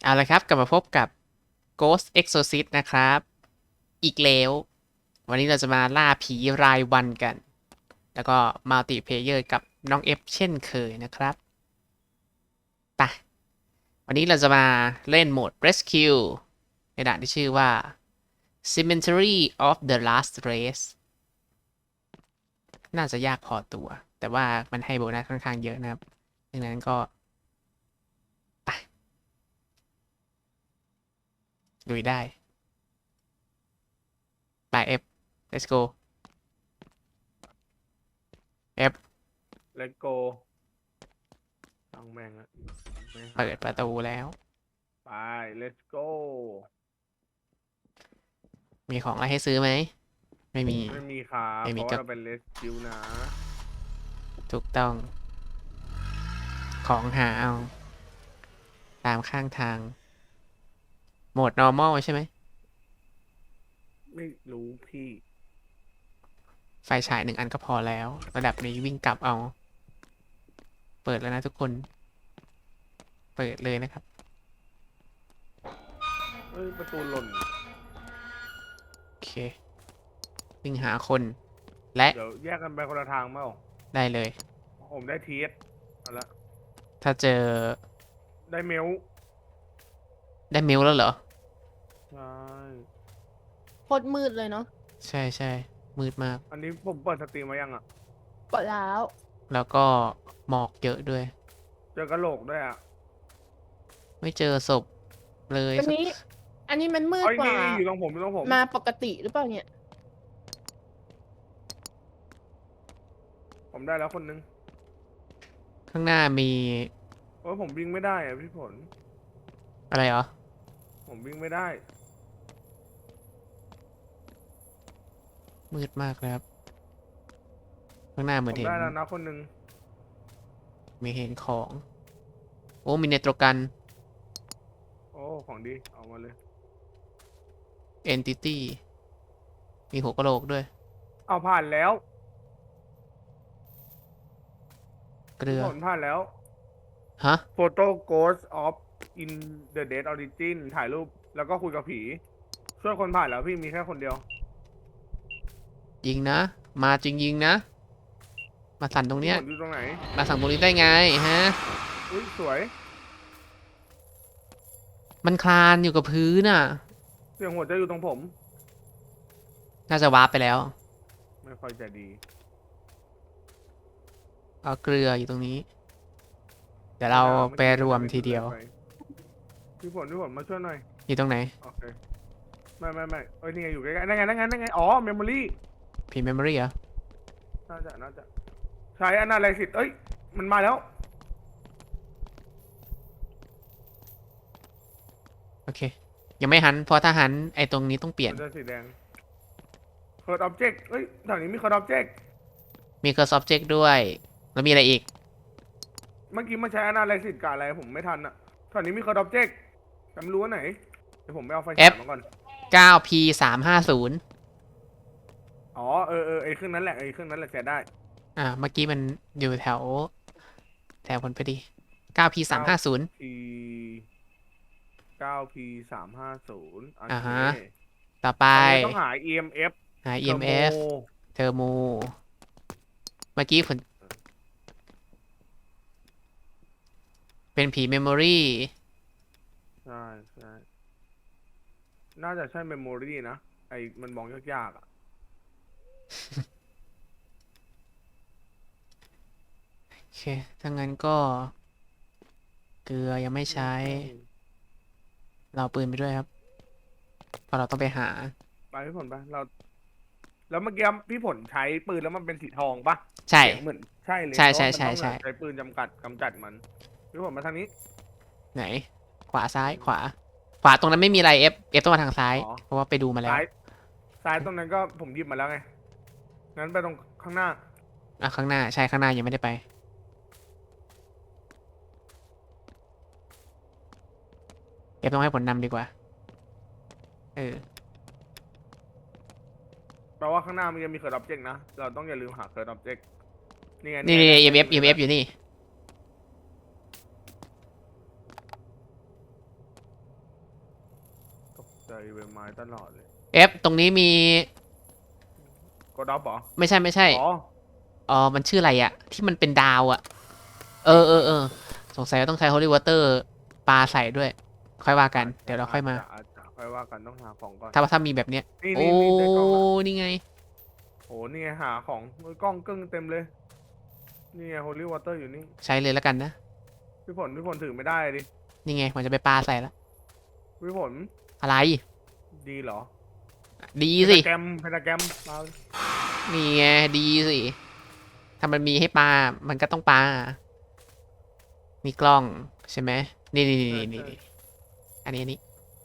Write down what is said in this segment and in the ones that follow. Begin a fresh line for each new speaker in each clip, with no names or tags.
เอาละครับกลับมาพบกับ Ghost Exorcist นะครับอีกแล้ววันนี้เราจะมาล่าผีรายวันกันแล้วก็มัลติเพลเยอร์กับน้องเอฟเช่นเคยนะครับไปวันนี้เราจะมาเล่นโหมด Rescue ในด่านที่ชื่อว่า Cemetery of the Last Race น่าจะยากพอตัวแต่ว่ามันให้โบนัสค่อนข้างเยอะนะครับดังนั้นก็ไปลุยได้ไป F let's go F
เลตโกตั้งแม่งอะไม่หา
เปิดประตูแล้ว
ไป let's go
มีของอะไรให้ซื้อไหม ไม่มี
ไม่มีครับ
ไม่
เพ
มี
ราะ
ก็
ว่าเราเป็น rescue นะ
ถูกต้อง ของหาเอา ตามข้างทาง โหมด normal ใช่ไหม
ไม่รู้พี่
ไฟฉาย1 อันก็พอแล้ว ระดับนี้วิ่งกลับเอา เปิดแล้วนะทุกคน เปิดเลยนะครับ
เอ้ย ประตูหล่น
โอเค วิ่งหาคน และ
เดี๋ยวแยกกันไปคนละทางเปล่า
ได้เลย
ผมได้ทีสเอาละ
ถ้าเจอ
ได้เมล
ได้เมลแล้วเหรอ
ใช่
โคตรมืดเลยเนาะ
ใช่ใช่ มืดมาก
อันนี้ผมเปิดสตรีมมายังอ่ะ
เปิดแล้ว
แล้วก็หมอกเยอะด้วย
เจอกระโหลกด้วยอ่ะ
ไม่เจอศพเลย
อันนี้มันมืด
เอ้ย
กว่า
นี่อยู่ตรงผมอยู่ตรงผม
มาปกติหรือเปล่าเนี่ย
ผมได้แล้วคนนึง
ข้างหน้ามี
โอ้ยผมวิ่งไม่ได้อ่ะพี่ผล
อะไรเหรอ
ผมวิ่งไม่ได้
มืดมากเลยครับ ข้างหน้าเห
ผ
มือน
ม
เห็น
ได้แล้วนะคนนึง
มีเห็นของ โอ้ มีเนโตรกัน
โอ้ ของดี เอามาเลย
Entity มีหัวกะโหลกด้วย
เอาผ่านแล้ว
เกลือ
ผลผ่านแล้ว
ฮะ
Photo Ghost of in the Dead Origin ถ่ายรูปแล้วก็คุยกับผี ช่วยคนผ่านแล้วพี่มีแค่คนเดียว
ยิงนะ มาจริงยิงนะ มาสั่นตรงเนี้ย
พี่ผลอยู่ตรงไหน
มาสั่งตรงนี้ได้ไงฮะ
อุ้ยสวย
มันคลานอยู่กับพื้นน่ะ
เสียงหัวใจอยู่ตรงผม
น่าจะวาร์ปไปแล้ว
ไม่ค่อยจะดี
เอาเกลืออยู่ตรงนี้ เดี๋ยวเราไปรวมทีเดียว
พี่ผลมาช่วยหน่อย
อยู่ตรงไหน
โอเค ไม่เอ้ยนี่ไงอยู่ใกล้ๆนั่นไง อ๋อ เมมโมรี่
พีเมมโมรี่เหรอ
น่าจะ ใช้อนาลิซิสเอ้ย มันมาแล้ว
โอเค ยังไม่หัน เพราะถ้าหันไอ้ตรงนี้ต้องเปลี่ยน
มันจะสีแดง Code Object เอ้ยแถวนี้มี Code Object
มี Curse Object ด้วย แล้วมีอะไรอีก
เมื่อกี้มันใช้ Analysis กับอะไรผมไม่ทันอะแถวนี้มี Code Object จำรู้ว่าไหน เดี๋ยวผมไปเอาไฟฉายมาก่อน
9P 350
อ๋อ ไอ้เครื่องนั้นแหละ ใช้ได้
เมื่อกี้มันอยู่แถวผลพอดี 9P 350
P 9P 350โอ
อ่า
เค
ฮะ ต่อไป
ตอนนี้ต้องหา EMF
หา EMF เทอร์โม เมื่อกี้ผลเป็นผีเมมโมรี่
ใช่น่าจะใช่ Memory นะ ไอ้มันมองยากๆอะ
โอเค ถ้างั้นก็ เกลือยังไม่ใช้ เราเอาปืนไปด้วยครับ เพราะเราต้องไปหา
ไปพี่ผลไปแล้วเมื่อกี้พี่ผลใช้ปืนแล้วมันเป็นสีทองปะ
ใช่
เสียงเหมือนใช่เลย
ใช่
เพราะว่า
ใช่
มันต้อง
ใช่
ใช้ปืนกำจัดมันพี่ผลมาทางนี้
ไหน ขวาซ้ายขวา ขวาตรงนั้นไม่มีอะไร F ต้องมาทางซ้าย
อ๋อ
เพราะว่าไปดูมาแล้ว
ซ้ายตรงนั้นก็ผมหยิบมาแล้วไงงั้นไปตรงข้างหน้า
ข้างหน้า ใช่ ข้างหน้ายังไม่ได้ไป F ต้องให้ผลนำดีกว่า
แปลว่าข้างหน้ามันยังมี Code Object นะเราต้องอย่าลืมหา Code Object นี่ไง
นี่ EMF อยู่นี่
ใจใบไม้ตลอดเลย
ตรงนี้มี
กดดับเหรอ
ไม่ใช่ไม่ใช่
อ๋อ
มันชื่ออะไรอะที่มันเป็นดาวอะเออสงสัยว่าต้องใช้ Holy Water ปลาใส่ด้วย ค่อยว่ากัน เดี๋ยวเราค่อยมา
อาจจะค่อยว่ากันต้องหาของก่อน
ถ้ามีแบบเนี้ย
นี่
โอ้
ได้กล้องละ
นี่ไง
โหนี่ไงหาของโอ้ยกล้องกึ้งเต็มเลย นี่ไง Holy Water อยู่นี่
ใช้เลยแล้วกันนะ
พี่ผลถือไม่ได้ดิ
นี่ไงมันจะไปปลาใส่แล้ว
พี่ผล
อะไร
ดีเหรอ
ดีสิ
เพนตาแกรมมา
นี่ไงดีสิ ถ้ามันมีให้ปลา มันก็ต้องปลา มีกล้องใช่ไหมนี่อันนี้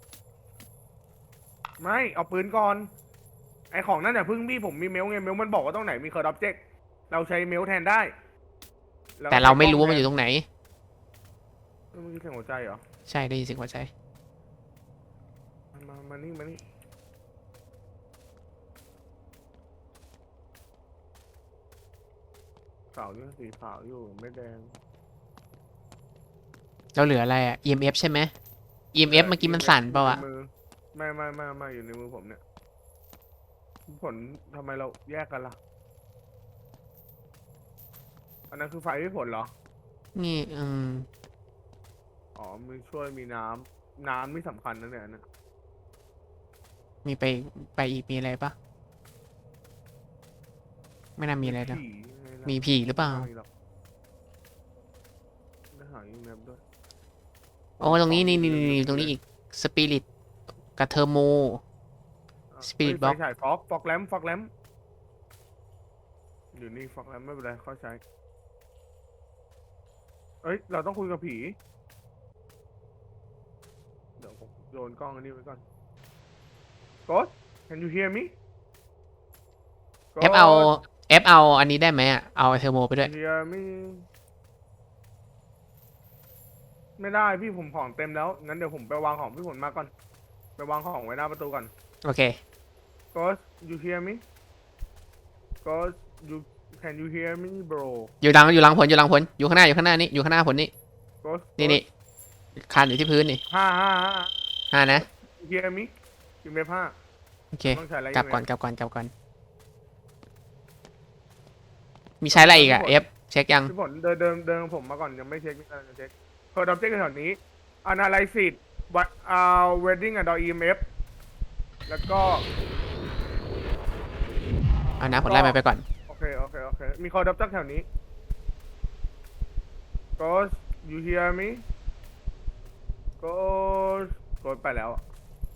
ไม่เอาปืนก่อน ไอของนั่นน่ะพึ่งพี่ผมมีเมลไงเมลมันบอกว่าตรงไหนมีเคอร์ดออบเจกต์เราใช้เมลแทนได้
แต่เราไม่รู้ว่ามันอยู่ตรงไหน
เมื่อกี้เสียงหัวใจเหรอ
ใช่ได้ยินเสียงหัวใจ
มานี่ขาวอยู่สีขาวอยู่ไม่แดง
เราเหลืออะไรอ่ะ EMF ใช่ไหม EMF เมื่อกี้มันสั่นเปล่าอ่ะ
อยู่ในมือไม่อยู่ในมือผมเนี่ยผลทำไมเราแยกกันล่ะ อันนั้นคือไฟพี่ผลเหรอ
นี่
อ๋อมีช่วยมีน้ำไม่สำคัญนะเนี่ยนะ
มีไปอีกมีอะไรปะไม่น่ามีอะไรแล้ว
ผีไงล่ะ
มีผีหรือเปล่า
ไม่มีหรอกได้หาอีเมลด้วย
โอ้ตรงนี้นี่ตรงนี้อีกสปิริตกับเทอร์โม Spirit
เฮ้ย
Box
ไฟฉายฟอกแลมอยู่นี่ฟอกแลมไม่เป็นไรค่อยใช้ เอ้ย เราต้องคุยกับผี เดี๋ยวผมโยนกล้องอันนี้ไว้ก่อน Ghost can you hear me
เอฟเอาอันนี้ได้ไหมอ่ะ เอาเทอร์โมไปด้วย
hear me ไม่ได้พี่ผมของเต็มแล้ว งั้นเดี๋ยวผมไปวางของพี่ผลมาก่อน ไปวางของไว้หน้าประตูก่อน
โอเค
Ghost you hear me Ghost you can you hear me bro
อยู่หลังผลอยู่ข้างหน้านี่อยู่ข้างหน้าผลนี่
Ghost
นี่คานอยู่ที่พื้นนี่
ห้า
นะ
you hear me อยู่เมฟห้า
โอเค
ต้องใช้อะไร
กลับก่อน
อีเมล
กลับก่อน มีใช้อะไรอีกอ่ะ F เช็คยัง
พี่ผลเดินผมมาก่อนยังไม่เช็คจะเช็คเปิดดับเช็คแถวนี้ analysis วัดwedding กับ EMF แล้วก็
เอานะผลไล่ไปก่อน
โอเค มีคอดับจักแถวนี้ Ghost you hear me Ghost ไปแล้วอะ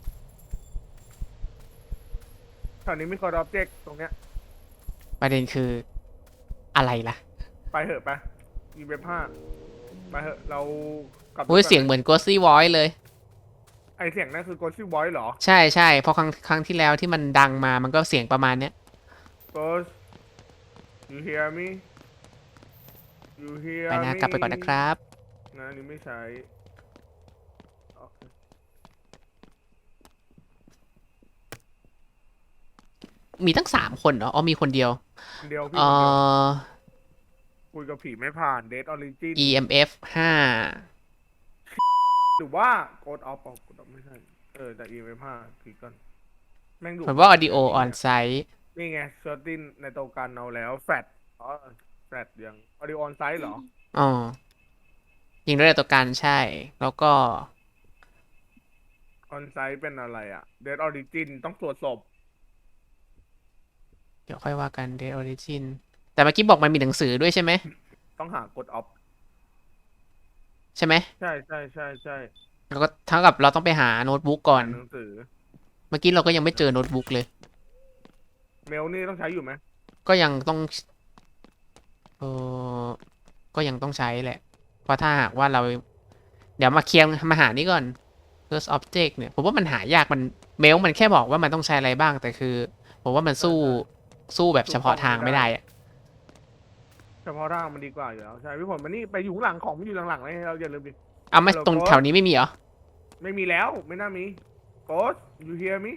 แถวนี้มีคอดับเจกตรงเนี้ย
ประเด็นคืออะไรล่ะ
ไปเหอะไปEMF 5ไปเหอะเรากลับ
โอ้ยเสียงเหมือน Ghostly Voice เลย
ไอเสียงนั่นคือ Ghostly Voice เหรอ
ใช่เพราะครั้งที่แล้วที่มันดังมามันก็เสียงประมาณเนี้ย
Ghost you hear me you hear
ไปนะ
me
กลับไปก่อนนะครับ
นะอันนี้ไม่ใช้โอเค
มีตั้ง3 คนเหรอ อ๋อมีคนเดียว
คนเดียวพี่
เอ่
คนเดียว
อ
คุยกับผีไม่ผ่าน Dead Origin
EMF
หรือว่า Code Off ไม่ใช่ แต่ EMF 5คลิกก่อนแม่งดู
ผมว่า Audio on site
นี่ไงเซอร์ตินในตัวกันเอาแล้วแฟดแฟดยัง Audio on site เหรอ
อ๋อยิงด้วยตัวการใช่ แล้วก็
on site เป็นอะไรอ่ะ Dead Origin ต้องตรวจศพ
เดี๋ยวค่อยว่ากัน Dead Origin แต่เมื่อกี้บอกมันมีหนังสือด้วยใช่ไหม
ต้องหา Code Off
ใช่ไหม
ใช่
แล้วก็เท่ากับเราต้องไปหาโน้ตบุ๊กก่อน
หนังสือ
เมื่อกี้เราก็ยังไม่เจอโน้ตบุ๊กเลย
เมลนี่ต้องใช้อยู่ไหม
ก็ยังต้องเออก็ยังต้องใช้แหละ เพราะถ้าหากว่าเรา เดี๋ยวมาเคลียร์มาหานี่ก่อน first object เนี่ย ผมว่ามันหายากมันเมลมันแค่บอกว่ามันต้องใช้อะไรบ้าง แต่คือ ผมว่ามันสู้แบบเฉพาะทางไม่ได้อะ
เฉพาะทางมันดีกว่าอยู่แล้วใช่พี่ผลมันนี่ไปอยู่ข้างหลังของมันอยู่หลังๆเลยเราอย่าลืมดิ
เอาไม่
Hello,
ตรง
Ghost
แถวนี้ไม่มีเหรอ
ไม่มีแล้วไม่น่ามี Ghost you hear me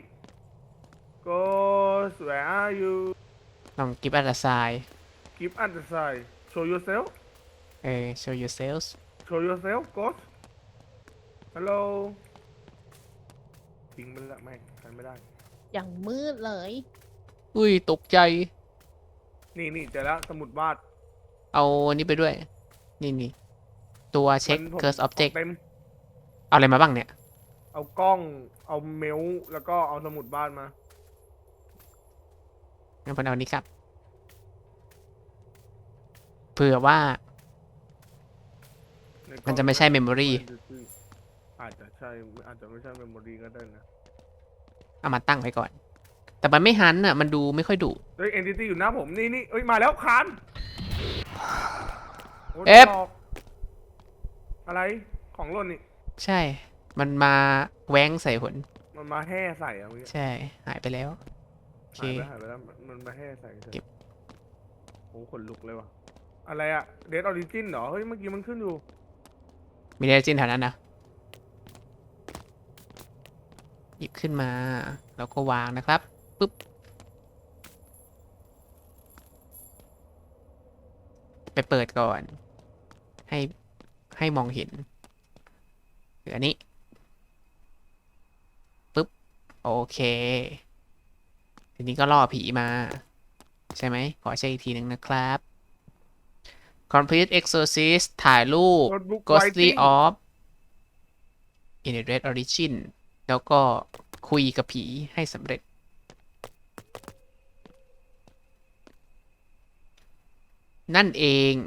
Ghost where are you
ลอง give us a sign
keep at the side show yourself
show yourselves
Ghost hello ทิ้งไปแล้วไม่กันไม่ได้
อย่างมืดเลย
อุ้ยตกใจ
นี่เจอแล้วสมุดวาด
เอาอันนี้ไปด้วย นี่ตัวเช็ค
มันผม
curse object
เต็ม
เอาอะไรมาบ้างเนี่ย
เอากล้อง เอาเมลแล้วก็เอาสมุดวาดมา
งั้นผมเอาอันนี้ครับ เผื่อว่า
ในกล้อง
มันจะไม่ใช่ memory
อาจจะใช่อาจจะไม่ใช่เมมโมรีก็ได้นะ
เอามาตั้งไว้ก่อน แต่มันไม่หันอ่ะ มันดูไม่ค่อยดุ
เฮ้ย entity อยู่หน้าผมนี่เอ้ยมาแล้วคานโย
เอฟ
หลอกอะไรของหล่นนี่
ใช่ มันมาแว้งใส่ผล
มันมาแห่ใส่อะเมื่อกี้
ใช่ หายไปแล้ว โอเค
หายไปแล้วมันมาแห่ใส่ฉย
เก็บ
โอ้ขนลุกเลยว่ะอะไรอะเดดออริจินเหรอเฮ้ยเมื่อกี้มันขึ้นอยู่
มีเดจินแถวนั้นนะ หยิบขึ้นมา แล้วก็วางนะครับ ปุ๊บ ไปเปิดก่อน ให้มองเห็นหรืออันนี้ ปุ๊บ โอเค ทีนี้ก็ล่อผีมา ใช่ไหม ขอเช็คอีกทีหนึ่งนะครับ Complete Exorcist ถ่ายรูป
Notebook
Ghostly
Writing
of In a Red Origin แล้วก็คุยกับผีให้สำเร็จ นั่นเอง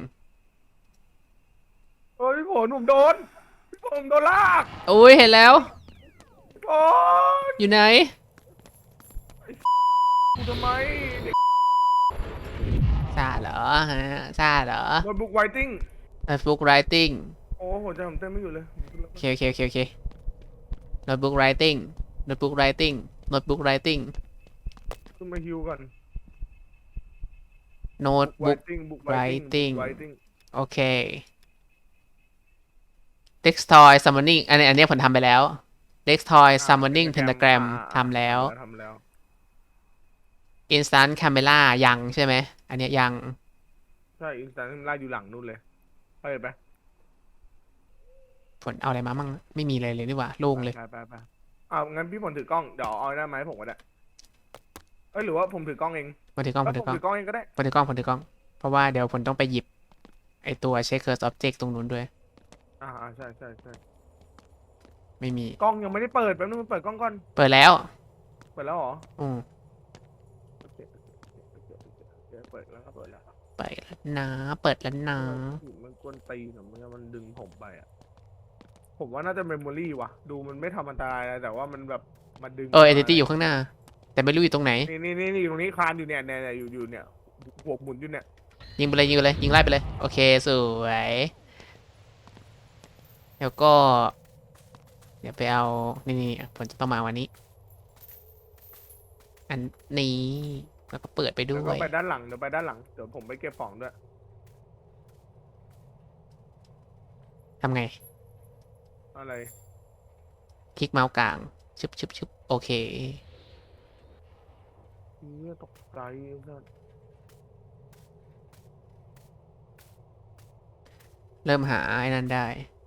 เฮ้ยพี่ผลผมโดนพี่ผลผมโดนลาก
โอ้ยเห็นแล้ว
พี่ผล
อยู่ไหน
กูทำไมเด็ก
ซาเหรอฮะซาเหรอ
โน้ตบุ๊กไวติ้ง
Notebook Writing
โอ้หัวใจผมเต้นไม่อยู่เลย
โอเค Notebook Writing Notebook Writing Notebook Writing
ขึ้นมาฮิวก่อน
Notebook
Book
Writing
Writing
โอเค Dextoy Summoning อันนี้ผมทำไปแล้ว Dextoy Summoning Pentagram ทำแล้ว
ทำแล้ว
Instant Camera ยังใช่ไหม อันเนี้ยยัง
ใช่อินสตาแกรมล่าอยู่หลังนู่นเลยไปไป
ผลเอาอะไรมามั่งไม่มีเลยนี่หว่าโล่งเลย
ไปเอางั้นพี่ผลถือกล้องเดี๋ยวเอาได้ไหมาให้ผมก็ได้เอ้ยหรือว่าผมถือกล้องเอง
ผมถือกล้อง
ผมถือกล้องเองก็ได้
ผมถือกล้องเพราะว่าเดี๋ยวผมต้องไปหยิบไอตัว Check Curse Object ตรงนู้นด้วย
ใช่
ไม่มี
กล้องยังไม่ได้เปิดแป๊บนึงเปิดกล้องก่อน
เปิดแล้ว
เปิดแล้วเหรอ
อืม
โอเคเปิดแล้วก็เปิดแล้ว
เปิดแล้วนะเปิดแล้วนะ
มันกวนตีนมันดึงผมไปอ่ะผมว่าน่าจะเมมโมรี่ว่ะดูมันไม่ทำอันตรายอะไรแต่ว่ามันแบบมันดึง
Entity อยู่ข้างหน้า แต่ไม่รู้อยู่ตรงไหน
นี่อยู่ตรงนี้คลานอยู่เนี่ยอยู่เนี่ยหัวหมุนอยู่เนี่ย
ยิงไปเลยยิงไล่ไปเลย โอเคสวยแล้วก็ เดี๋ยวไปเอา นี่ผมจะต้องมาวันนี้ อันนี้แล้วก็เปิดไปด้
แล้ว
ว
ก็
ย
ไปด้านหลังเดี๋ยวไปด้านหลังเดี๋ยวผมไปเก็บของด้วย
ทำไง
อะไร
คลิกเมาส์กลางชึบโอเค
เนี่ยตกใจสัส
เริ่มหาไอ้นั่นได้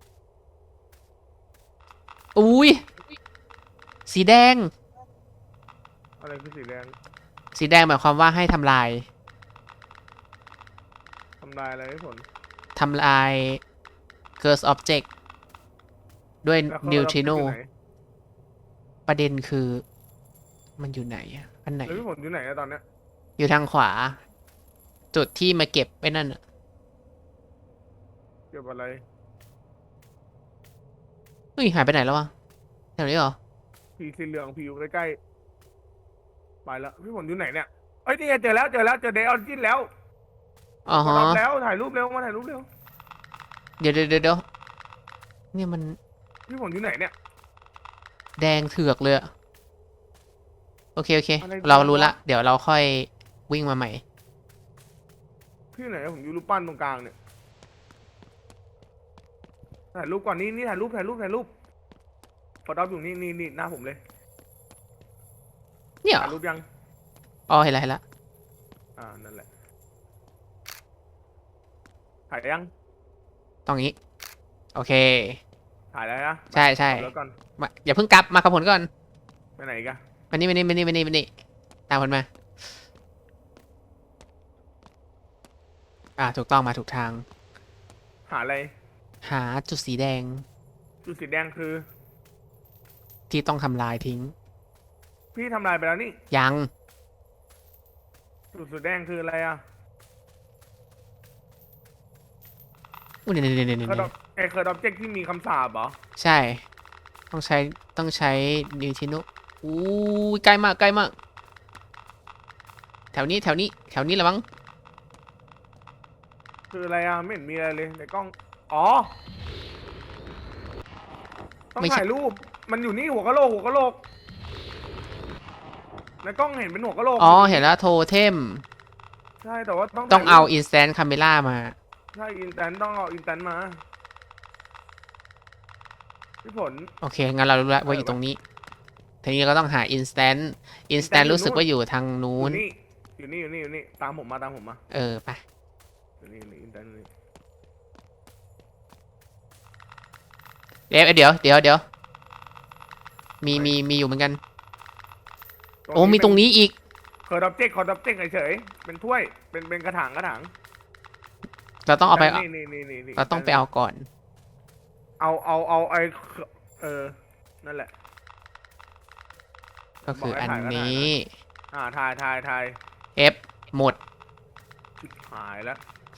อุ้ยสีแดง
อะไรคือสีแดง
สีแดงหมายความว่าให้ทำลาย
ทำลายอะไรให้ผล
ทำลาย Curse Object ด้วย
แล้วเขา
Neutrino
อยู่ไหน
ประเด็นคือมันอยู่ไหนอะอันไหน
แล้วพี่ผลอยู่ไหนอะตอนเนี้ย
อยู่ทางขวา จุดที่มาเก็บไว้นั่นอะ
เก็บอะไร
เฮ้ยหายไปไหนแล้ววะแถวนี้เหรอ
ผีสีเหลืองผีอยู่ใกล้ๆไปแล้วพี่ผลอยู่ไหนเนี่ยเอ้ยนี่ไงเจอแล้วเจอเดย์ออริจินแล้ว
อ๋อ
มา
ฮะ
รับแล้วถ่ายรูปเร็วมาถ่ายรูปเร็ว
เดี๋ยวเนี่ยมัน
พี่ผลอยู่ไหนเนี่ย
แดงเถือกเลยอะโอเค
อะไร
เรา
แดง
รู้ละ
วะ
เดี๋ยวเราค่อยวิ่งมาใหม่
พี่ไหนผมอยู่รูปปั้นตรงกลางเนี่ยถ่ายรูปก่อนนี่ถ่ายรูปฟอตอปอยู่นี่หน้าผมเลย
เนี่ยเหร
ถ่า
อย
รูปยัง
อ๋อเห็นละ
นั่นแหละถ่ายยัง
ตรงนี้ โอเค
ถ่ายแล้วนะ
ใช่
แล้วก่อน
อย่าเพิ่งกลับมากับผลก่อน
ไหนกัน
มานี่มานี่มานี่มานี่มานี่ตามคนมาถูกต้องมาถูกทาง
หาอะไร
หาจุดสีแดง
จุดสีแดงคือ
ที่ต้องทำลายทิ้ง
พี่ทำลายไปแล้วนี่
ยัง
จุดสีแดงคืออะไรอ่ะ
อุ้ยเนี่ย
เคอร์ดเคอร์ดออบเจกที่มีคำสาปเหรอ
ใช่ ต้องใช้นิวทินุอู้ยใกล้มากใกล้มาก แถวนี้แถวนี้ละมั้ง
คืออะไรอ่ะ ไม่เห็นมีอะไรเลยในกล้อง อ๋อ ต้อง
ไม่ใช่
ถ่ายรูป มันอยู่นี่หัวกะโหลกในกล้องเห็นเป็นหัวกะโหลก
อ๋อ เห็นแล้วโทเทม
ใช่ แต่ว่าต้อง
ต้องเอา
ถ่ยรูป
instant camera มา
ใช่อินแตนต้องเอาอินแตนมา พี่ผล
โอเค งั้นเรารู้แล้วว่าอยู่ตรงนี้ ทีนี้ก็ต้องหา instant
อยู่
รู้สึก
นู่น
ว่าอยู่ทาง
อ
นู้น
ยู่นี่ ตามผมมา
ไป
อยู่นี่อินแตนนี่
เดี๋ยว มีอยู่เหมือนกัน โอ้ มีตรงนี้อีก
เคอร์ดออบเจกเฉยๆเป็นถ้วย เป็นกระถาง
เราต้องเอาไป
นี่
เราต้องไปเอาก่อน
เอาไอนั่นแหละ
ก็คืออัน
บอกให้ถ่ายก็ถ่ายนะ
นี้
ถ่าย
F หมด
ชิบหายแล้ว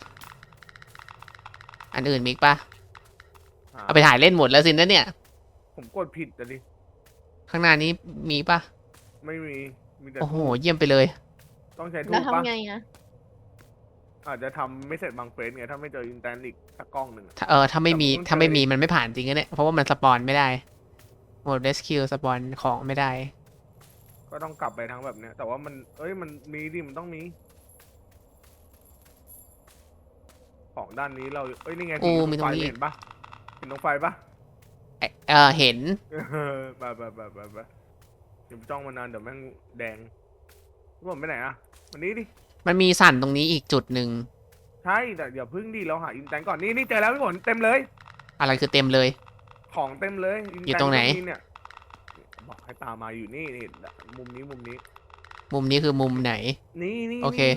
อันอื่นมีอีกปะเอาไปถ่ายเล่นหมดแล้วสินะเนี่ย
ผมกดผิดอะดิ
ข้างหน้านี้มีปะ
ไม่มีแต่
โอ้โห
ทูบ
เยี่ยมไปเลย
ต้องใช้ทู
แล้ว
บปะ
ทำไงอะ
อาจจะทำไม่เสร็จบางเฟสไงถ้าไม่เจออินแตนอีกสักกล้องหนึ่งอะ
ถ้าไม่มี
แต่ผม
ถ้าไม่มีมันไม่ผ่านจริงนะเนี่ย เพราะว่ามันสปอนไม่ได้โหมด rescue สปอนของไม่ได้
ก็ต้องกลับไปทั้งแบบเนี้ย แต่ว่ามันมันมีดิมันต้องมี ของด้านนี้เรานี่ไง
โอ้
ที่
มีตรงนี้
ไฟเห็นปะเห็นตรงไฟปะ
เห็น
ไปอย่าไปจ้องมานานเดี๋ยวแม่งแดงพี่ผมไปไหนอะวันนี้ดิ
มันมีสั่นตรงนี้อีกจุดหนึ่ง
ใช่แต่อย่าพึ่งดิเราหาอินแตนก่อนนี่เจอแล้วพี่ผลเต็มเลย
อะไรคือเต็มเลย
ของเต็มเลยนแต
อยู่ตรงไหน
ก็มีเนี่ยบอกให้ตามมาอยู่นี่มุมนี้
มุมนี้คือมุมไหน
นี่
โอเค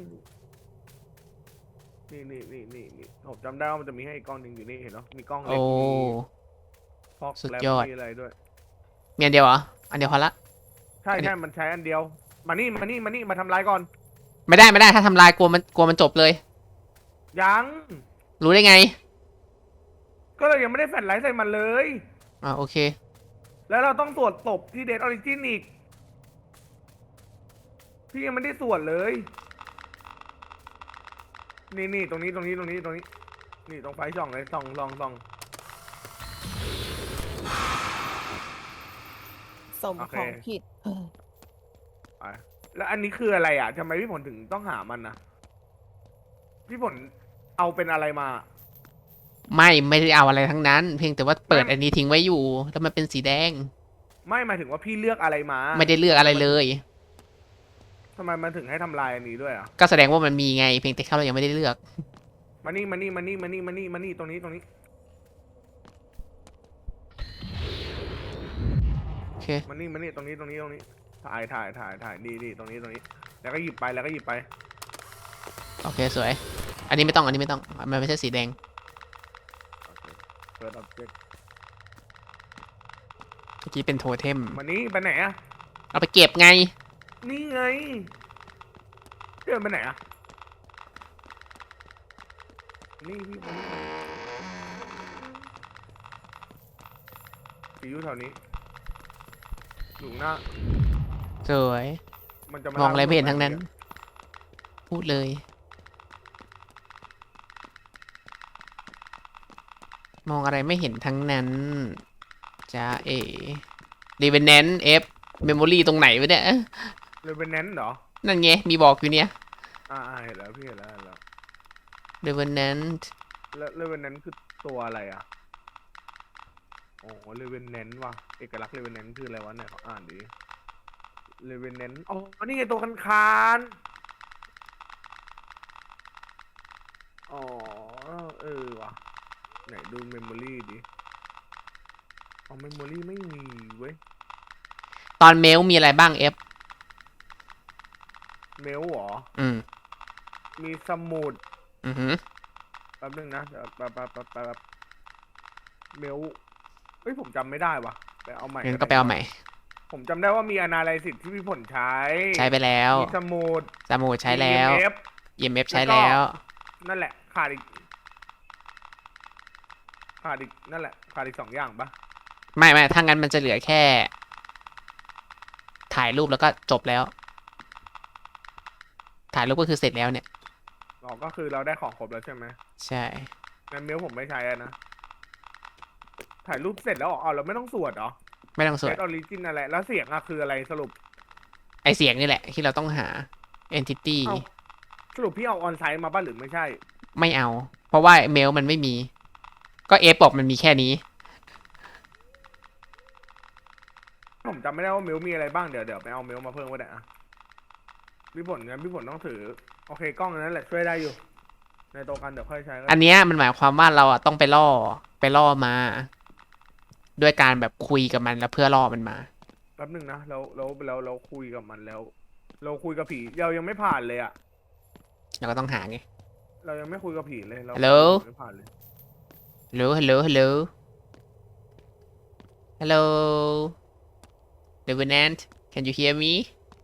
นี่ผมจำได้ว่ามันจะมีให้อีกกล้องหนึ่งอยู่นี่เห็นเนาะมีกล้องเล็
โอ้
กมีฟอก
สุด
แลบ
ยอด
มีอะไรด้วย
มีอันเดียวเหรอ อันเดียวพอละ
ใช่มันใช้อันเดียวมานี่มาทำลายก่อน
ไม่ได้ถ้าทำลายกลัวมันจบเลย
ยัง
รู้ได้ไง
ก็เลยยังไม่ได้แฟลชไลท์ใส่มันเลย
โอเค
แล้วเราต้องตรวจศพที่เดดออริจินอีกพี่ยังไม่ได้ตรวจเลยนี่ตรงนี้นี่ตรงไฟช่องเลยส่อง
สมของผิด
แล้วอันนี้คืออะไรอ่ะทำไมพี่ผลถึงต้องหามันนะพี่ผลเอาเป็นอะไรมา
ไม่ได้เอาอะไรทั้งนั้น เพียงแต่ว่าเปิดอันนี้ทิ้งไว้อยู่ แล้วมันเป็นสีแดง
ไม่หมายถึงว่าพี่เลือกอะไรมา
ไม่ได้เลือกอะไรเลย
ทำไมมันถึงให้ทำลายอันนี้ด้วยอ่ะ
ก็แสดงว่ามันมีไง เพียงแต่เรายังไม่ได้เลือก
มานี่ตรงนี้
โอเค
มานี่ตรงนี้ถ่ายดีตรงนี้แล้วก็หยิบไป
โอเคสวย อันนี้ไม่ต้อง มันไม่ใช่สีแดง
เปิด object
เมื่อกี้เป็นโทเทม
มานี่ไปไหนอ่ะ
เอาไปเก็บไง
นี่ไงเดินไปไหนอ่ะนี่พี่อยู่แถวนี้อยู่หน้า
สวย
มันจะ
มองอะไรไม่เห็นทั้งนั้น พูดเลย มองอะไรไม่เห็นทั้งนั้นจ้ารีเวนแนนเอฟเมมโมรี่ตรงไหนวะเนี่ย
เลยเป็นแนนเหรอ
นั่นไง มีบอกอยู่เนี่ย
เห็นแล้วพี่เห็นแล้ว
รีเวนแนน
แล้วเลเวนแนนคือตัวอะไรอ่ะโอ้เลเวนแนนว่ะเอกลักษณ์เลเวนแนนคืออะไรวะเนี่ยขออ่านดิเลเวนแนนอ๋อนี่ไงตัวคานอ๋อว่ะไหนดูเมมโมรี่ดิอ๋อเมมโมรี่ไม่มีเว้ย
ตอนเมลมีอะไรบ้างเอฟ
เมลเหรอ
อืม
มีสมุด
อือหือ
แป๊บนึงนะเดี๋ยวแป๊บเมลเฮ้ยผมจำไม่ได้ว่ะไปเอาใหม่
งั้นก็ไปเอาใหม่
ผมจำได้ว่ามี analysis ที่พี่ผลใช้
ใช้ไปแล้ว
มีสมุด
สมุดใช้แล้ว
มี EMF
EMF ใช้
แล้วก็
แล้ว
นั่นแหละขาดอีกนั่นแหละขาดอีก2 อย่างปะ
ไม่ถ้างั้นมันจะเหลือแค่ ถ่ายรูปแล้วก็จบแล้ว ถ่ายรูปก็คือเสร็จแล้วเนี่ย
อ๋อก็คือเราได้ของครบแล้วใช่ไหม
ใช่
งั้นเมลผมไม่ใช้อะนะถ่ายรูปเสร็จแล้วเหรออ๋อเราไม่ต้องสวดเหรอ
ไม่ต้องสว
เซ
ด
ตออริจินอะไรแล้วเสียงอะคืออะไรสรุป
ไอเสียงนี่แหละ ที่เราต้องหา entity
เอ้าสรุปพี่เอาออนไซต์มาป่ะหรือไม่ใช่
ไม่เอา เพราะว่าเมลมันไม่มี ก็เอฟบอกมันมีแค่นี้
ผมจำไม่ได้ว่าเมลมีอะไรบ้างเดี๋ยวไปเอาเมลมาเพิ่มก็ได้อะพี่ผลงั้นพี่ผลต้องถือโอเคกล้องอันนั้นแหละช่วยได้อยู่ ในตัวกันเดี๋ยวค่อยใช้ก็
อันเนี้ยมันหมายความว่าเราอะต้องไปล่อมา ด้วยการแบบคุยกับมันแล้วเพื่อล่อมันมา
แป๊บนึงนะเราคุยกับมันแล้ว เราคุยกับผีเรายังไม่ผ่านเลยอะ
เราก็ต้องหาไง
เรายังไม่คุยกับผีเลยเรา
Hello?
ไม่ผ่านเลย
hello hello Revenant can you hear me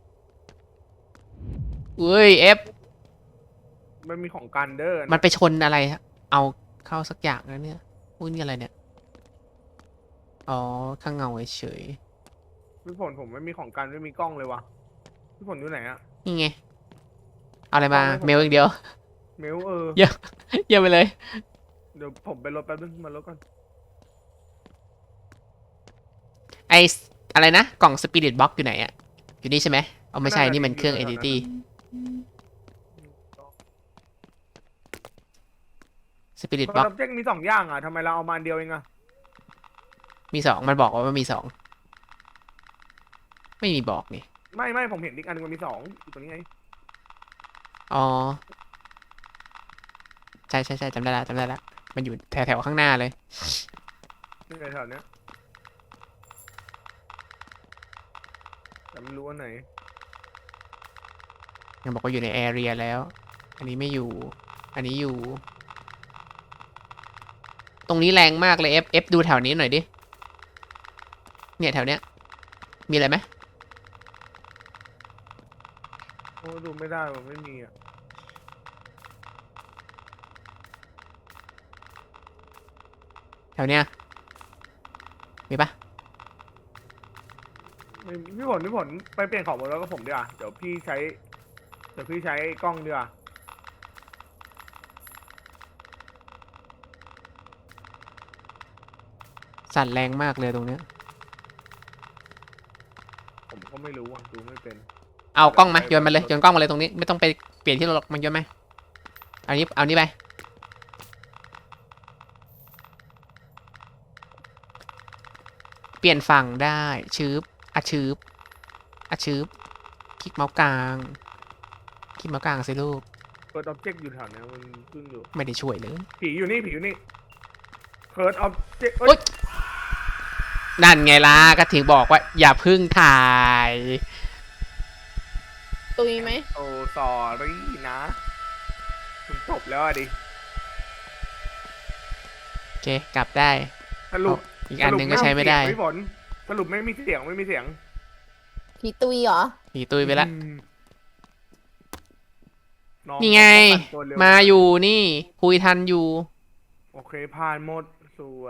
อุ้ยเอฟ
มันมีของกันเดอร์
มันไปชนอะไร เอาเข้าสักอย่างแล้วเนี่ย อุ้ยนี่อะไรเนี่ย อ๋อ ข้างเงาเฉย
พี่ผลผมไม่มีของกันไม่มีกล้องเลยวะพี่ผลอยู่ไหนอะ
ๆนี่ไง เอาอะไรมา
เอาเลยผม
เมลอย่างเดียว
เมล
เยี่ยมไปเลย
เดี๋ยวผมไปรถแป๊บนึงมารถก่อน
ไออะไรนะ กล่อง Spirit Box อยู่ไหนอะอยู่นี่ใช่ไหมเอาไม่ใช่ นี่มันเครื่อง Entity Spirit
เพ
Box
ราะเจ๊กมี2 อย่างอะทำไมเราเอามาอันเดียวเองอะ
มีสองมันบอกว่ามันมีสองไม่มีบอกนี่
ไม่ผมเห็นอีกอันนึงมันมี2อยู่ตรงนี้ไง
อ๋อ ใช่จำได้ละมันอยู่แถวข้างหน้าเลย
นี่ไงแถวเนี้ยแต่ไม่รู้ว่าไหน
มันบอกว่าอยู่ในแอเรียแล้ว อันนี้ไม่อยู่ อันนี้อยู่ ตรงนี้แรงมากเลยเอฟดูแถวนี้หน่อยดิ เนี่ยแถวเนี้ย มีอะไรไหม
โอ้ดูไม่ได้มันไม่มีอะ
แถวเนี้ย มีปะ
ไม่มีพี่ผลไปเปลี่ยนของบนรถกับผมดีกว่าเดี๋ยวพี่ใช้กล้องดีกว่า
สั่นแรงมากเลยตรงเนี้ย
ผมก็ไม่รู้อ่ะดูไม่เป็น
เอากล้องมาโยนมาเลยโยนกล้องมาเลยตรงนี้ ไม่ต้องไปเปลี่ยนที่รถหรอกมันโยนไหมเอานี้ไป เปลี่ยนฝั่งได้ชืบชืบคลิกเมาส์กลางสิลูก
เปิดอ็อบเจกต์อยู่แถวเนี้ยมันขึ้นอยู่
ไม่ได้ช่วยเลย
ผีอยู่นี่เปิดอ็อบเจกต์
โอ๊ย นั่นไงล่ะก็ถึงบอกว่า อย่าพึ่งถ่าย
ตุยไหม
โอ้สอรี่นะมันจบแล้วอะดิ
โอเค กลับได้
สรุป
อีกอันหนึ่งก็ใช้ไม่ได้
พี่ผลสรุปไม่มีเสียง
ผีตุยเหรอ
ผีตุยไปละ
น้อ
นี่ไง
เขาปั่นตัวเร็ว
มาอยู่นี่ คุยทันอยู่
โอเคผ่านหมดสวย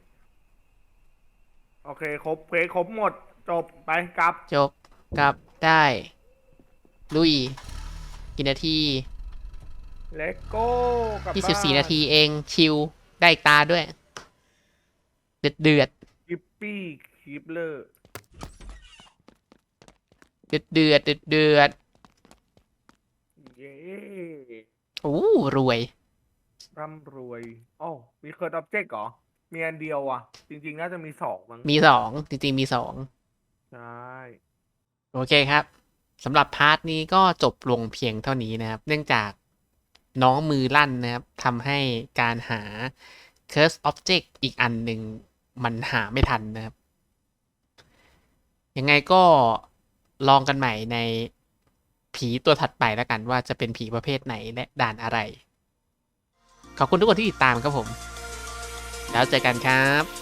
โอเคครบเควสครบหมด จบไปกลับ
จบกลับได้ ลุย กี่นาที
เลตโก้กลับบ้าน
24 นาทีเอง ชิล ได้อีกตาด้วย เดือด
กิปปี้คีปเลอร์
เดือด
เย้
โอ้รวย
ร่ำรวยอ๋อมีเคิร์ดอ็อบเจกต์เหรอ มีอันเดียวอ่ะ จริงๆ น่าจะมี2มั้ง
มีสองจริงๆ มีสอง
ใช่
โอเคครับสำหรับพาร์ทนี้ก็จบลงเพียงเท่านี้นะครับ เนื่องจากน้องมือลั่นนะครับทำให้การหา Curse Object อีกอันหนึ่งมันหาไม่ทันนะครับยังไงก็ลองกันใหม่ในผีตัวถัดไปแล้วกันว่าจะเป็นผีประเภทไหนและด่านอะไร ขอบคุณทุกคนที่ติดตามครับผม แล้วเจอกันครับ